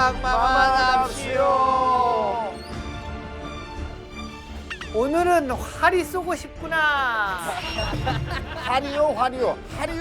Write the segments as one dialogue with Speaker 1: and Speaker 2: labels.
Speaker 1: 막막하납시오.
Speaker 2: 오늘은 활이 쏘고 싶구나.
Speaker 1: 활이요.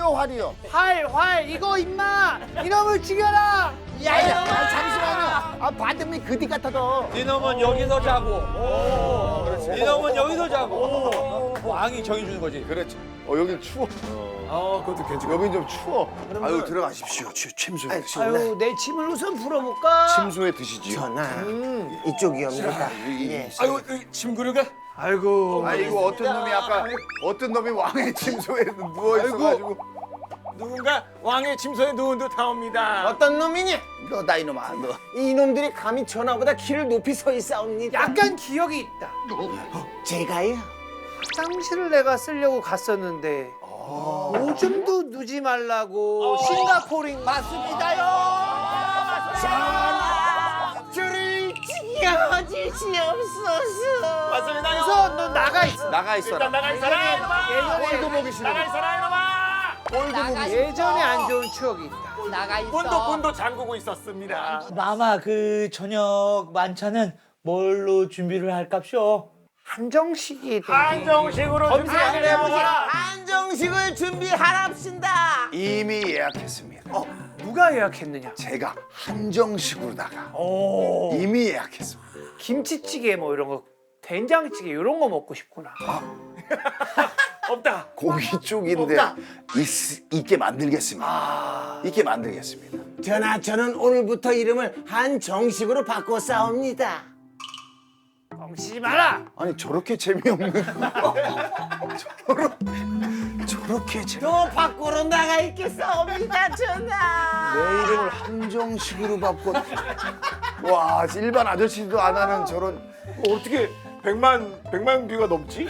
Speaker 2: 활 이거 임마 이놈을 죽여라.
Speaker 1: 야야, 잠시만요. 받음이 그디 같아도.
Speaker 3: 니놈은 여기서 자고. 니놈은 여기서 자고. 왕이 정해주는 거지.
Speaker 1: 그렇지. 여긴 추워.
Speaker 4: 그것도 괜찮아.
Speaker 1: 여긴 좀 추워. 아유, 들어가십시오. 침소에 드시고.
Speaker 2: 아유 내 침을 우선 풀어볼까.
Speaker 1: 침소에 드시지요.
Speaker 5: 전하, 이쪽이옵니다. 예.
Speaker 4: 아이고, 침 그릇가?
Speaker 2: 아이고.
Speaker 1: 아이고, 어떤 놈이 왕의 침소에 누워 있어가지고.
Speaker 4: 누군가 왕의 침소에 누운 듯 하옵니다.
Speaker 5: 어떤 놈이니?
Speaker 1: 너다 이놈아, 너.
Speaker 5: 이놈들이 감히 전하보다 키를 높이 서 있사옵니다.
Speaker 2: 약간 기억이 있다.
Speaker 5: 제가요?
Speaker 2: 화장실을 내가 쓰려고 갔었는데 오줌도 누지 말라고 싱가포르인
Speaker 5: 맞습니다요. 전하, 줄을 지어주시옵소서.
Speaker 4: 맞습니다요.
Speaker 2: 우선 너 나가 있어.
Speaker 1: 나가 있어라.
Speaker 4: 나가 있어라 이놈아.
Speaker 1: 꼴도 보기 싫어.
Speaker 4: 나가 있어라 이놈아.
Speaker 2: 예전에 안 좋은 추억이 있다.
Speaker 4: 문도 잠그고 있었습니다.
Speaker 3: 마마 그 저녁 만찬은 뭘로 준비를 할깝쇼?
Speaker 2: 한정식이
Speaker 4: 한정식으로 준비를 해보거라.
Speaker 5: 한정식을 준비하랍신다.
Speaker 1: 이미 예약했습니다.
Speaker 2: 누가 예약했느냐?
Speaker 1: 제가 한정식으로다가 이미 예약했습니다.
Speaker 2: 김치찌개 뭐 이런 거, 된장찌개 이런 거 먹고 싶구나.
Speaker 4: 없다.
Speaker 1: 고기 쪽인데 있게 만들겠습니다. 있게 만들겠습니다.
Speaker 5: 전하, 저는 오늘부터 이름을 한정식으로 바꿔 싸웁니다.
Speaker 2: 엉치지 마라.
Speaker 1: 아니 저렇게 재미없는 저렇게
Speaker 5: 또 밖으로 나가 있겠사옵니다, 전하.
Speaker 1: 내 이름을 한정식으로 바꿔. 와, 일반 아저씨도 안 하는 저런.
Speaker 4: 어떻게 100만 뷰가 넘지?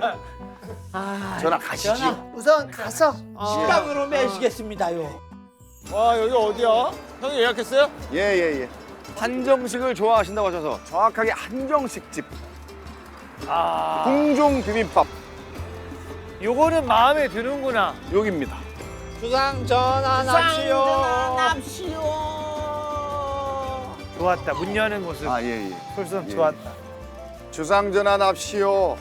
Speaker 1: 전화 가시죠.
Speaker 2: 우선 가서
Speaker 3: 식당으로 매시겠습니다요.
Speaker 4: 와, 여기 어디야? 형이 예약했어요?
Speaker 1: 예. 한정식을 좋아하신다고 하셔서 정확하게 한정식 집. 궁종 비빔밥
Speaker 2: 요거는 마음에 드는구나.
Speaker 1: 여기입니다.
Speaker 3: 주상 전환합시오.
Speaker 5: 납시오.
Speaker 2: 좋았다. 문 여는 모습.
Speaker 1: 예.
Speaker 2: 솔선
Speaker 1: 예.
Speaker 2: 좋았다.
Speaker 1: 주상전환합시오.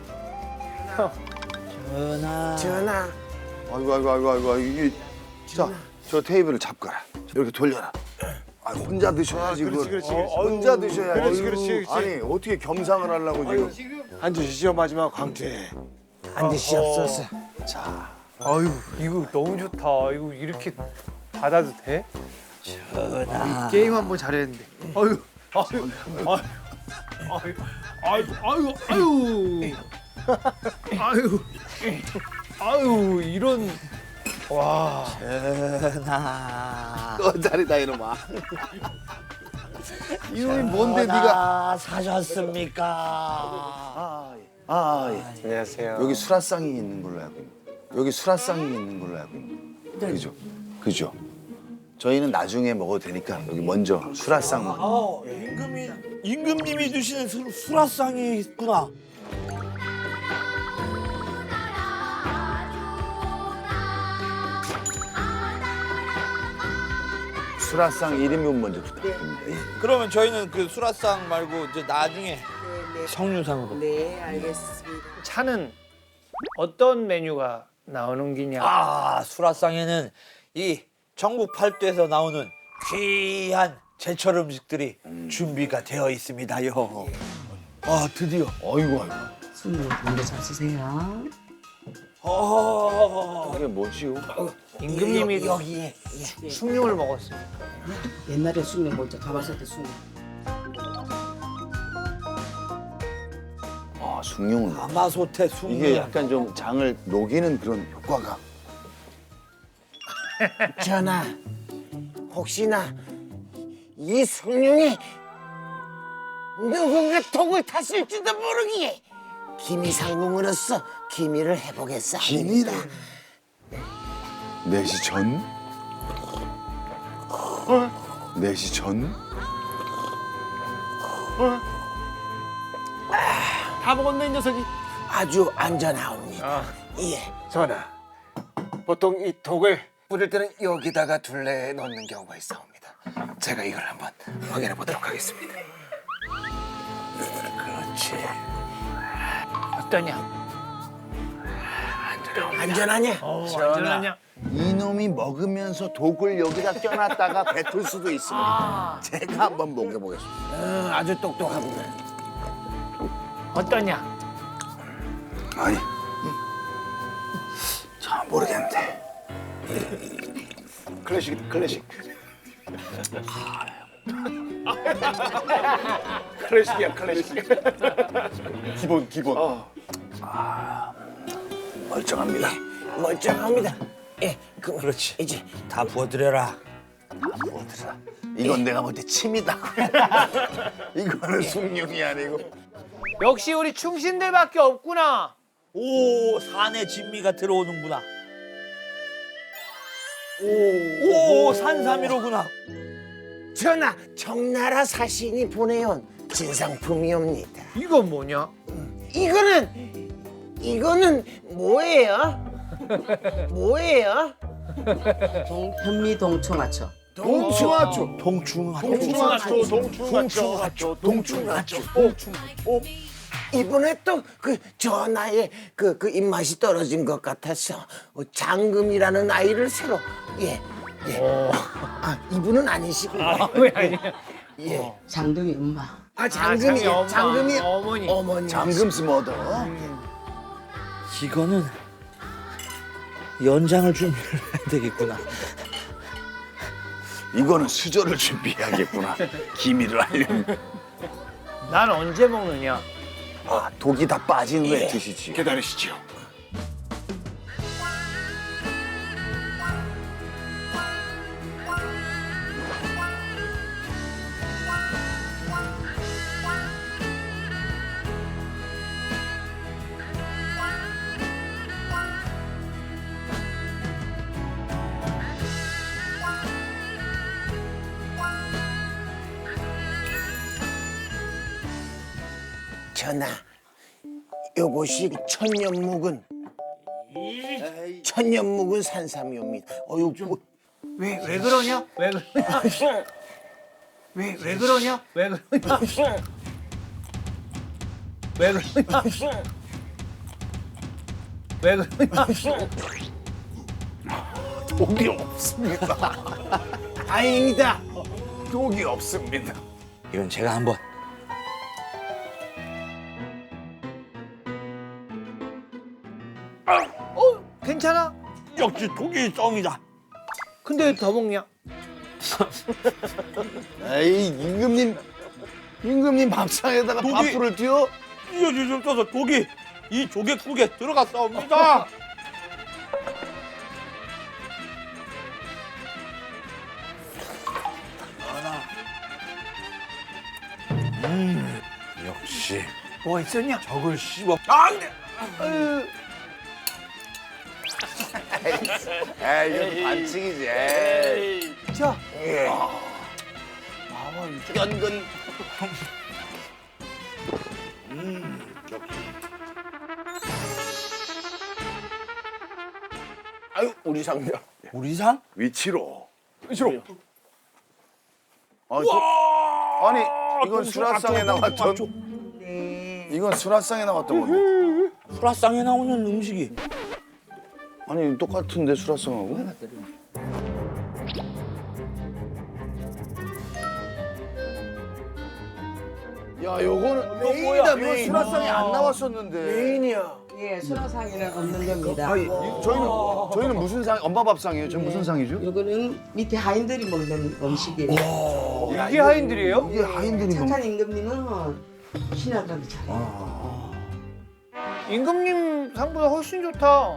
Speaker 3: 전하.
Speaker 5: 전하,
Speaker 1: 아이고 이게. 자, 저 테이블을 잡거라. 이렇게 돌려라. 혼자 드셔야지.
Speaker 4: 그렇지.
Speaker 1: 혼자 드셔야지.
Speaker 4: 그렇지.
Speaker 1: 아니 어떻게 겸상을 하려고 지금.
Speaker 4: 앉으시죠, 마지막 광태.
Speaker 5: 앉으시옵소서.
Speaker 2: 아유 이거 너무 좋다. 이거 이렇게 받아도 돼?
Speaker 3: 전하.
Speaker 2: 게임 한번 잘했는데. 아유 이런. 와.
Speaker 3: 전하.
Speaker 1: 자리다 이놈아. 이놈이 뭔데 네가.
Speaker 3: 사셨습니까?
Speaker 1: 예.
Speaker 4: 안녕하세요.
Speaker 1: 여기 수라상이 있는 걸로 알고 있는. 그죠. 저희는 나중에 먹어도 되니까 여기 먼저 수라상 먹.
Speaker 3: 임금님이 주시는 수라상이 있구나.
Speaker 1: 수라상 1인분 먼저 부탁드립니다. 예.
Speaker 3: 그러면 저희는 그 수라상 말고 이제 나중에 성류상으로.
Speaker 5: 네, 알겠습니다.
Speaker 2: 차는 어떤 메뉴가 나오는 기냐?
Speaker 3: 아, 수라상에는 이 전국 팔도에서 나오는 귀한 제철 음식들이 준비가 되어 있습니다요. 아, 드디어.
Speaker 1: 아이고.
Speaker 5: 손님 먼저 잡수세요.
Speaker 1: 이게 뭐지요?
Speaker 2: 임금님이
Speaker 5: 여기에. 예.
Speaker 2: 숭늉을 먹었어요.
Speaker 5: 옛날에 숭늉 먼저 가봤을 때 숭늉.
Speaker 1: 숭늉을.
Speaker 3: 가마솥에 숭늉.
Speaker 1: 이게 약간 좀 장을 녹이는 그런 효과가.
Speaker 5: 전하, 혹시나 이 숭늉이 누군가 독을 탔을지도 모르기에 기미상궁으로서 기미를 해보겠사옵니다.
Speaker 1: 기미다. 4시 전? 4시 전?
Speaker 4: 다 먹었네, 이 녀석이.
Speaker 5: 아주 안전하옵니다. 예.
Speaker 4: 전하, 보통 이 독을 뿌릴 때는 여기다가 둘레 넣는 경우가 있사옵니다. 제가 이걸 한번 확인해 보도록 하겠습니다. 그렇지.
Speaker 2: 어떠냐?
Speaker 5: 안전하냐?
Speaker 2: 안전하냐?
Speaker 1: 이놈이 먹으면서 독을 여기다 껴놨다가 뱉을 수도 있습니다. 제가 한번 먹여보겠습니다.
Speaker 5: 아주 똑똑하구나.
Speaker 2: 어떠냐?
Speaker 1: 아니, 잘 모르겠는데. 클래식, 클래식.
Speaker 4: 클래식이야, 클래식. 기본, 기본.
Speaker 1: 멀쩡합니다.
Speaker 5: 멀쩡합니다. 예,
Speaker 3: 그렇지.
Speaker 5: 이제
Speaker 3: 다 부어드려라.
Speaker 1: 이건 내가 볼 때 침이다. 이거는 숭늉이 아니고.
Speaker 2: 역시 우리 충신들밖에 없구나.
Speaker 3: 오, 산에 진미가 들어오는구나. 오, 산삼이로구나.
Speaker 5: 전하, 청나라 사신이 보내온 진상품이옵니다.
Speaker 2: 이건 뭐냐?
Speaker 5: 이거는 뭐예요? 뭐예요?
Speaker 6: 현미 동청하초.
Speaker 1: 동충하초.
Speaker 5: 동충하초. 이번에 또 그 전하의 그 입맛이 떨어진 것 같아서 장금이라는 아이를 새로 아 이분은 아니시고
Speaker 2: 왜 아니야?
Speaker 5: 예.
Speaker 6: 장동이 엄마.
Speaker 5: 장금이
Speaker 2: 엄마,
Speaker 5: 장금이
Speaker 2: 어머니.
Speaker 5: 어머니
Speaker 1: 잠금스 머더.
Speaker 3: 이거는 연장을 준비를 해야 되겠구나.
Speaker 1: 이거는 수저를 준비해야겠구나. 기미를 알려면.
Speaker 2: 난 언제 먹느냐?
Speaker 1: 아, 독이 다 빠진 후에 드시지.
Speaker 4: 기다리시죠.
Speaker 5: 전하 요것이 천년묵은 산삼이옵니다.
Speaker 2: 왜 그러냐? 왜 그러냐? 왜 그러냐? 왜 그러냐? 왜 그러냐? 왜 그러냐?
Speaker 1: 독이 없습니다.
Speaker 5: 다행이다.
Speaker 1: 독이 없습니다.
Speaker 3: 이건 제가 한번.
Speaker 2: 괜찮아?
Speaker 3: 역시 독이 썸이다.
Speaker 2: 근데 왜 더 먹냐?
Speaker 1: 에이, 임금님 밥상에다가
Speaker 3: 독이-
Speaker 1: 밥풀을 띄워?
Speaker 3: 이어지 좀 떠서 독이 이 조개국에 들어갔사옵니다.
Speaker 1: 역시.
Speaker 2: 뭐가 있었냐?
Speaker 3: 저걸 씹어. 안 돼.
Speaker 1: 에이, 이건 반칙이지. 에이.
Speaker 2: 자,
Speaker 1: 연근.
Speaker 5: 아유 우리 상자.
Speaker 3: 우리 상?
Speaker 1: 위치로. 아니, 이건 수라상에 나왔던. 이건 수라상에 나왔던 건데.
Speaker 3: 수라상에 나오는 음식이.
Speaker 1: 아니, 똑같은데 수라상하고? 야, 요거는 메인이다. 이거 수라상에 안 나왔었는데.
Speaker 5: 메인이야.
Speaker 6: 예, 수라상에는 없는 겁니다.
Speaker 1: 아니, 저희는 무슨 상? 엄마 밥상이에요. 저 무슨 상이죠?
Speaker 6: 이거는 밑에 하인들이 먹는 음식이에요.
Speaker 2: 이게 하인들이에요?
Speaker 1: 이게 하인들이 먹는.
Speaker 6: 착한 임금님은 신하들이 잘해요.
Speaker 2: 임금님 상보다 훨씬 좋다.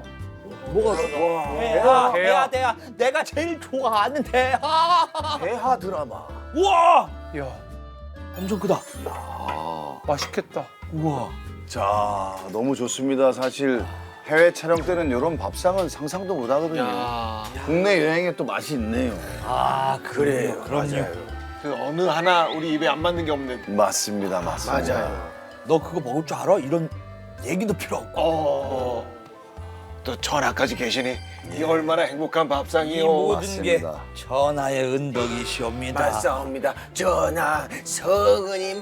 Speaker 3: 대하. 내가 제일 좋아하는 대하.
Speaker 1: 대하 드라마.
Speaker 3: 우와,
Speaker 2: 야,
Speaker 3: 엄청 크다.
Speaker 2: 맛있겠다.
Speaker 3: 우와.
Speaker 1: 자, 너무 좋습니다. 사실 해외 촬영 때는 이런 밥상은 상상도 못 하거든요. 국내 여행에 또 맛이 있네요.
Speaker 3: 아, 그래요.
Speaker 1: 맞아요.
Speaker 4: 그 어느 하나 우리 입에 안 맞는 게 없는.
Speaker 1: 맞습니다. 맞습니다.
Speaker 5: 맞아요.
Speaker 3: 너 그거 먹을 줄 알아? 이런 얘기도 필요 없고.
Speaker 4: 또 전하까지 계시니 이 얼마나 행복한
Speaker 3: 이
Speaker 4: 밥상이요.
Speaker 3: 모든 게
Speaker 1: 맞습니다.
Speaker 3: 전하의 은덕이시옵니다.
Speaker 4: 맞사옵니다. 전하 성은이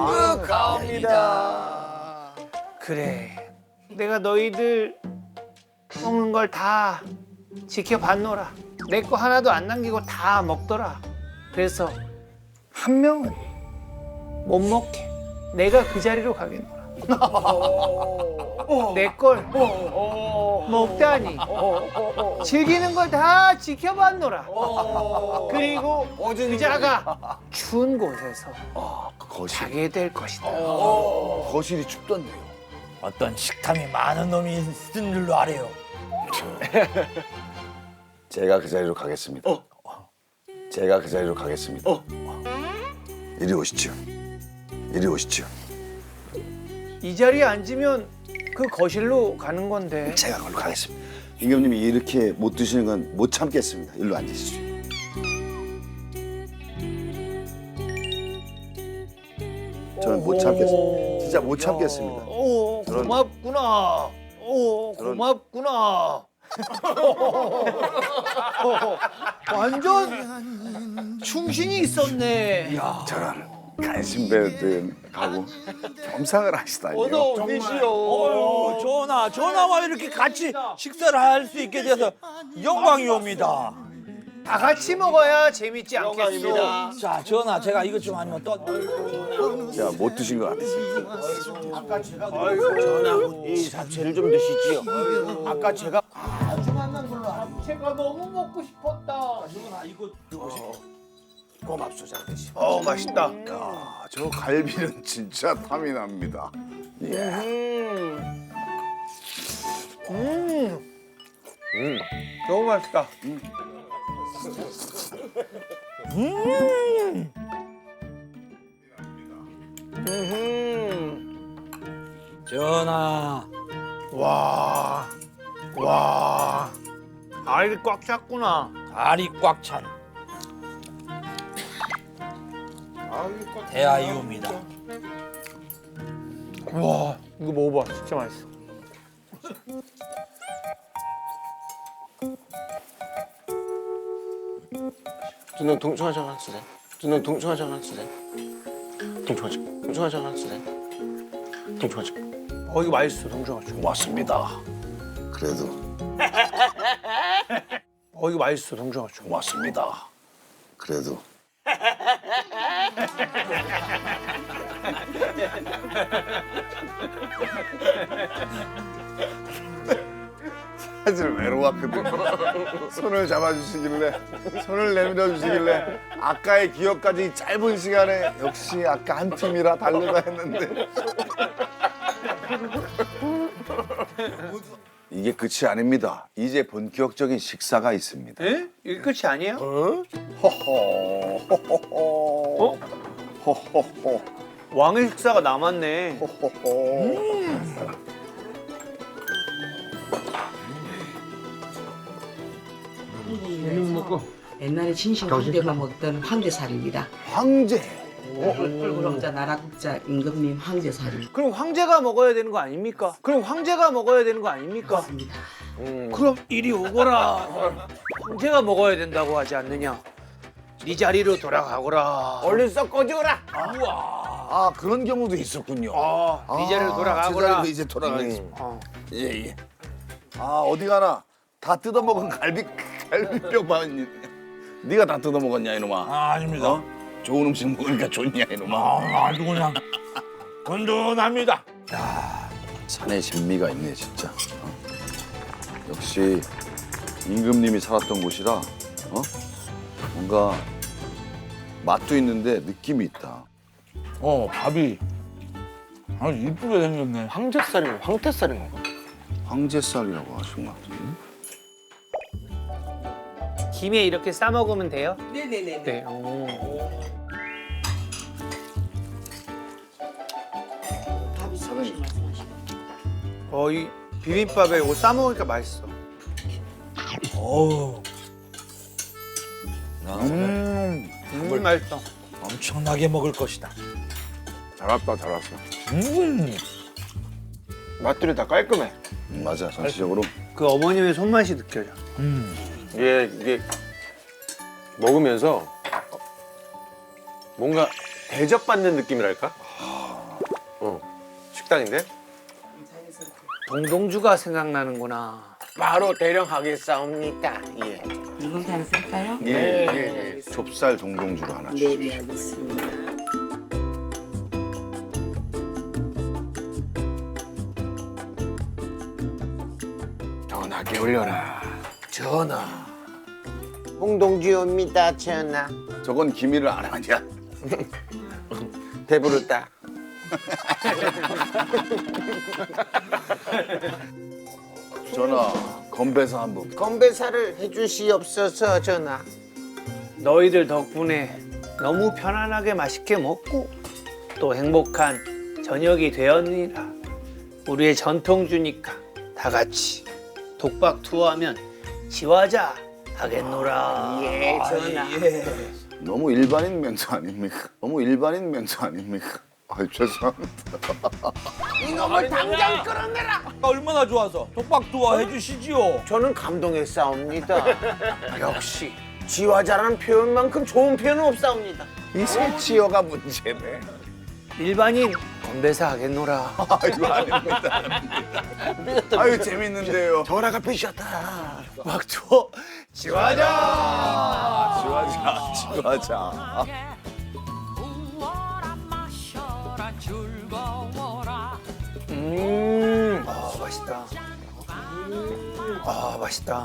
Speaker 4: 망극하옵니다.
Speaker 2: 그래. 내가 너희들 먹는 걸 다 지켜봤노라. 내 거 하나도 안 남기고 다 먹더라. 그래서 한 명은 못 먹게. 내가 그 자리로 가겠노라. 내 걸 먹다니 즐기는 걸 다 지켜봤노라. 그리고 그자가 추운 곳에서
Speaker 1: 거실.
Speaker 2: 자게 될 것이다.
Speaker 1: 거실이 춥던데요.
Speaker 3: 어떤 식탐이 많은 놈이 있은 줄로 아래요.
Speaker 1: 제가 그 자리로 가겠습니다. 제가 그 자리로 가겠습니다. 이리 오시죠. 이리 오시죠.
Speaker 2: 이 자리에 앉으면 그 거실로 가는 건데.
Speaker 1: 제가 걸로 가겠습니다. 임금님이 이렇게 못 드시는 건 못 참겠습니다. 일로 앉으시죠. 저는 못 참겠습니다. 진짜 못 참겠습니다.
Speaker 2: 오,
Speaker 1: 그런-
Speaker 2: 고맙구나. 오,
Speaker 1: 그런-
Speaker 2: 고맙구나. 완전 충신이 있었네.
Speaker 1: 저런 간신배들 가고 겸상을 하시다니요.
Speaker 3: 전하와 이렇게 같이 식사를 할 수 있게 돼서 영광이옵니다.
Speaker 2: 다 같이 먹어야 재밌지 않겠어.
Speaker 3: 자, 전하, 제가 이것 좀 아니면 또
Speaker 1: 제가 못 드신 것 같아요.
Speaker 5: 전하 이 잡채를 좀 드시지요. 아까 제가
Speaker 2: 제가 너무 먹고 싶었다.
Speaker 5: 고맙소장 드시.
Speaker 2: 맛있다.
Speaker 1: 야, 저 갈비는 진짜 탐이 납니다.
Speaker 2: 너무 맛있다.
Speaker 3: 전하,
Speaker 2: 와. 알이 꽉 찼구나.
Speaker 3: 알이 꽉 찬 대하이옵니다.
Speaker 2: 와, 이거 먹어봐. 진짜 맛있어.
Speaker 4: 저는 동충하장 한 쓰네. 저는 동충하장 한 쓰네. 동충하장 한 쓰네. 동충하장.
Speaker 2: 이거 맛있어, 동정아.
Speaker 1: 고맙습니다. 그래도
Speaker 2: 이거 맛있어, 동정아.
Speaker 1: 고맙습니다. 그래도 사실 외로웠거든요. 손을 잡아주시길래, 손을 내밀어 주시길래 아까의 기억까지 이 짧은 시간에 역시 아까 한 팀이라 다르다 했는데 이게 끝이 아닙니다. 이제 본격적인 식사가 있습니다.
Speaker 2: 에? 이게 끝이 아니에요?
Speaker 1: 호호. 호호호.
Speaker 2: 왕의 식사가 남았네.
Speaker 6: 이거는 먹고 옛날에 진심 황제가 먹던 황제살입니다.
Speaker 1: 황제.
Speaker 6: 꿀꿀홍자 나라국자 임금님 황제살이
Speaker 2: 그럼 황제가 먹어야 되는 거 아닙니까?
Speaker 6: 맞습니다.
Speaker 2: 그럼 이리 오거라. 황제가 먹어야 된다고 하지 않느냐? 네 자리로 돌아가거라.
Speaker 5: 얼른 썩 꺼져라.
Speaker 1: 아 그런 경우도 있었군요.
Speaker 2: 네 자리로
Speaker 1: 제
Speaker 2: 돌아가거라.
Speaker 1: 자리로 이제 돌아가겠습니다.
Speaker 2: 어.
Speaker 1: 예. 아 어디 가나 다 뜯어먹은 갈비뼈만 네가 다 뜯어먹었냐 이놈아.
Speaker 3: 아닙니다.
Speaker 1: 어? 좋은 음식 먹으니까 좋냐 이놈아.
Speaker 3: 아주 그냥 든든합니다.
Speaker 1: 산에 진미가 있네 진짜. 역시 임금님이 살았던 곳이라 뭔가 맛도 있는데 느낌이 있다.
Speaker 3: 밥이 아주 이쁘게 생겼네.
Speaker 4: 황제살인가 황태살인가?
Speaker 1: 황제살이라고 하신 것 같은데.
Speaker 2: 김에 이렇게 싸 먹으면 돼요?
Speaker 6: 네네네.
Speaker 2: 네. 오.
Speaker 6: 밥이
Speaker 1: 사장님.
Speaker 2: 이 비빔밥에 이거 싸 먹으니까 맛있어.
Speaker 3: 어우,
Speaker 2: 맛있어.
Speaker 3: 엄청나게 먹을 것이다.
Speaker 1: 잘 왔다 잘 왔어.
Speaker 4: 맛들이 다 깔끔해.
Speaker 1: 맞아 전체적으로
Speaker 2: 그 어머님의 손맛이 느껴져.
Speaker 7: 이게 먹으면서 뭔가 대접받는 느낌이랄까? 식당인데?
Speaker 2: 동동주가 생각나는구나.
Speaker 5: 바로 대령하겠사옵니다. 예.
Speaker 6: 이거 괜찮을까요?
Speaker 1: 예. 좁쌀 동동주로 하나 주세요.
Speaker 6: 네, 알겠습니다.
Speaker 4: 전하게 올려라.
Speaker 5: 전하. 홍동주옵니다, 전하.
Speaker 1: 저건 기미를 안 하냐?
Speaker 5: 배부르다.
Speaker 1: 전하, 건배사 한 번.
Speaker 5: 건배사를 해주시옵소서, 전하.
Speaker 2: 너희들 덕분에 너무 편안하게 맛있게 먹고 또 행복한 저녁이 되었느니라. 우리의 전통주니까 다 같이 독박 투어하면 지화자 하겠노라.
Speaker 5: 예, 전하.
Speaker 1: 너무 일반인 멘트 아닙니까? 너무 일반인 멘트 아닙니까? 아이 죄송합니다.
Speaker 5: 이놈을 당장 끌어내라.
Speaker 3: 얼마나 좋아서 독박 투어 해주시지요.
Speaker 5: 저는 감동했사옵니다. 역시 지화자라는 표현만큼 좋은 표현은 없사옵니다.
Speaker 1: 이 새치어가 문제네.
Speaker 2: 일반인 건배사 하겠노라.
Speaker 1: 아이고 아닙니다. 아유 재밌는데요.
Speaker 5: 전하가 삐셨다.
Speaker 2: 독박 투어
Speaker 1: 지화자.
Speaker 2: 아 맛있다. 아 맛있다.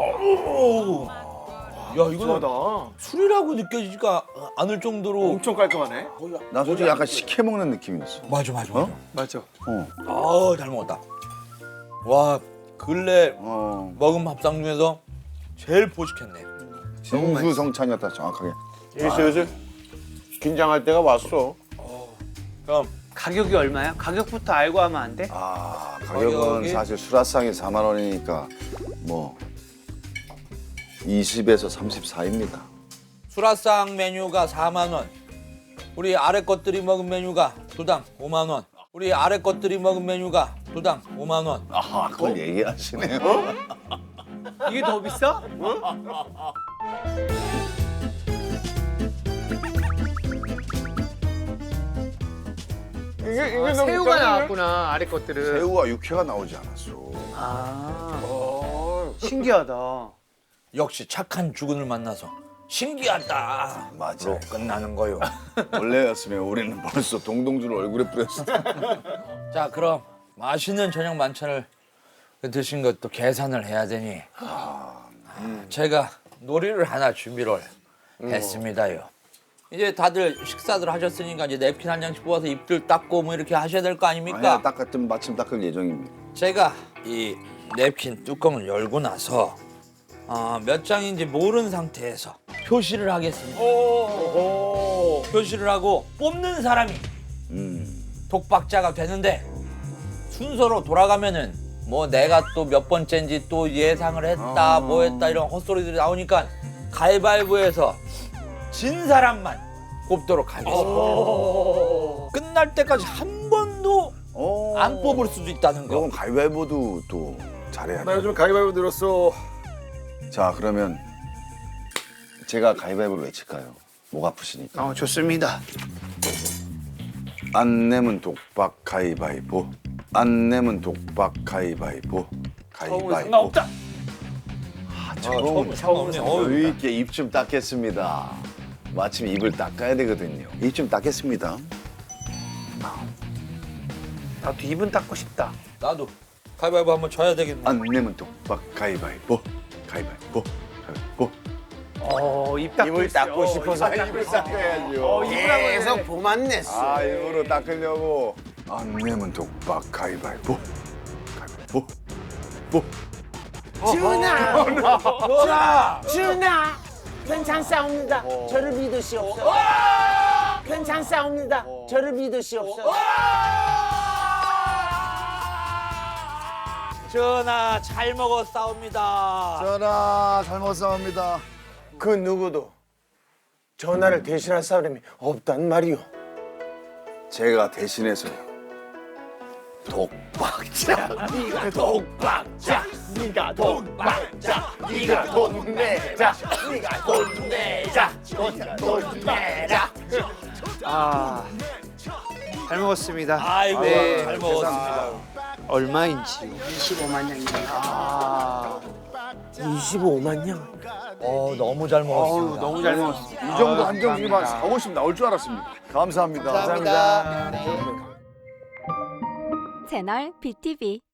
Speaker 3: 야 이거 술이라고 느껴지지가 않을 정도로
Speaker 7: 엄청 깔끔하네.
Speaker 1: 나 솔직히 약간 식혜 먹는 느낌이 있어.
Speaker 3: 맞아.
Speaker 2: 맞아.
Speaker 3: 잘 먹었다. 와 근래 먹은 밥상 중에서 제일 보식했네.
Speaker 1: 진수성찬이었다 정확하게.
Speaker 7: 슬슬 긴장할 때가 왔어.
Speaker 3: 그럼
Speaker 2: 가격이 얼마야? 가격부터 알고 하면 안 돼?
Speaker 1: 아 가격은
Speaker 3: 가격이?
Speaker 1: 사실 수라상이 4만 원이니까 뭐 20에서 30 사이입니다.
Speaker 3: 수라상 메뉴가 4만 원. 우리 아래 것들이 먹은 메뉴가 두당 5만 원. 우리 아래 것들이 먹은 메뉴가 두당 5만 원.
Speaker 1: 아 그걸 얘기하시네요.
Speaker 2: 이게 더 비싸?
Speaker 5: 이게
Speaker 2: 새우가 나왔구나 아래 것들은.
Speaker 1: 새우와 육회가 나오지 않았어.
Speaker 2: 아 신기하다.
Speaker 3: 역시 착한 주군을 만나서 신기하다.
Speaker 1: 맞아.
Speaker 3: 끝나는 거요.
Speaker 1: 원래였으면 우리는 벌써 동동주를 얼굴에 뿌렸어.
Speaker 3: 자 그럼 맛있는 저녁 만찬을 드신 것도 계산을 해야 되니 제가 놀이를 하나 준비를 했습니다요. 이제 다들 식사들 하셨으니까 이제 냅킨 한 장씩 뽑아서 입들 닦고 뭐 이렇게 하셔야 될 거 아닙니까?
Speaker 1: 아니야 닦았든 마침 닦을 예정입니다.
Speaker 3: 제가 이 냅킨 뚜껑을 열고 나서 몇 장인지 모르는 상태에서 표시를 하겠습니다. 표시를 하고 뽑는 사람이 독박자가 되는데 순서로 돌아가면은 뭐 내가 또 몇 번째인지 또 예상을 했다 뭐 했다 이런 헛소리들이 나오니까 가위바위보에서 진 사람만 뽑도록 하겠습니다. 끝날 때까지 한 번도 안 뽑을 수도 있다는 거.
Speaker 1: 그럼 가위바위보도 또 잘해야 돼.
Speaker 7: 요즘 가위바위보 들었어.
Speaker 1: 자 그러면 제가 가위바위보를 외칠까요? 목 아프시니까.
Speaker 2: 좋습니다.
Speaker 1: 안 내면 독박 가위바위보. 안 내면 독박 가위바위보. 가위바위보.
Speaker 2: 상관없다.
Speaker 1: 처음
Speaker 3: 상관없네.
Speaker 1: 여유 있게 입 좀 닦겠습니다. 마침 입을 닦아야 되거든요. 입 좀 닦겠습니다.
Speaker 2: 나도 입은 닦고 싶다.
Speaker 3: 나도 가위바위보 한번 져야 되겠네.
Speaker 1: 안 내면 독박 가위바위보. 가위바위보. 가위바위보.
Speaker 2: 입 닦고
Speaker 5: 입을 닦고 싶어서
Speaker 1: 입을 닦아야죠.
Speaker 5: 계속 보만 냈어.
Speaker 1: 아 일부러 닦으려고. 안 내면 독박 가위바위보. 가위바위보. 보.
Speaker 5: 준아! 준아! 괜찮사옵니다. 저를 믿으시옵소서. 괜찮사옵니다. 저를 믿으시옵소서.
Speaker 3: 전하 잘 먹었사옵니다.
Speaker 1: 전하 잘 먹었사옵니다.
Speaker 5: 그 누구도 전화를 대신할 사람이 없단 말이오.
Speaker 1: 제가 대신해서요. 독박자.
Speaker 5: 독박자.
Speaker 1: 네가 돈 받자. 네가 돈 내자. 네가 돈 내자. 돈 내자.
Speaker 2: 아, 잘 먹었습니다.
Speaker 3: 아이고
Speaker 2: 네,
Speaker 3: 잘 먹었습니다.
Speaker 2: 얼마인지.
Speaker 6: 25만 원입니다.
Speaker 2: 아,
Speaker 5: 25만 년.
Speaker 3: 너무 잘 먹었습니다.
Speaker 2: 너무 잘 먹었습니다.
Speaker 1: 이 정도 한정식이면 4,50 나올 줄 알았습니다. 감사합니다.
Speaker 2: 감사합니다. 네.
Speaker 8: 채널 BTV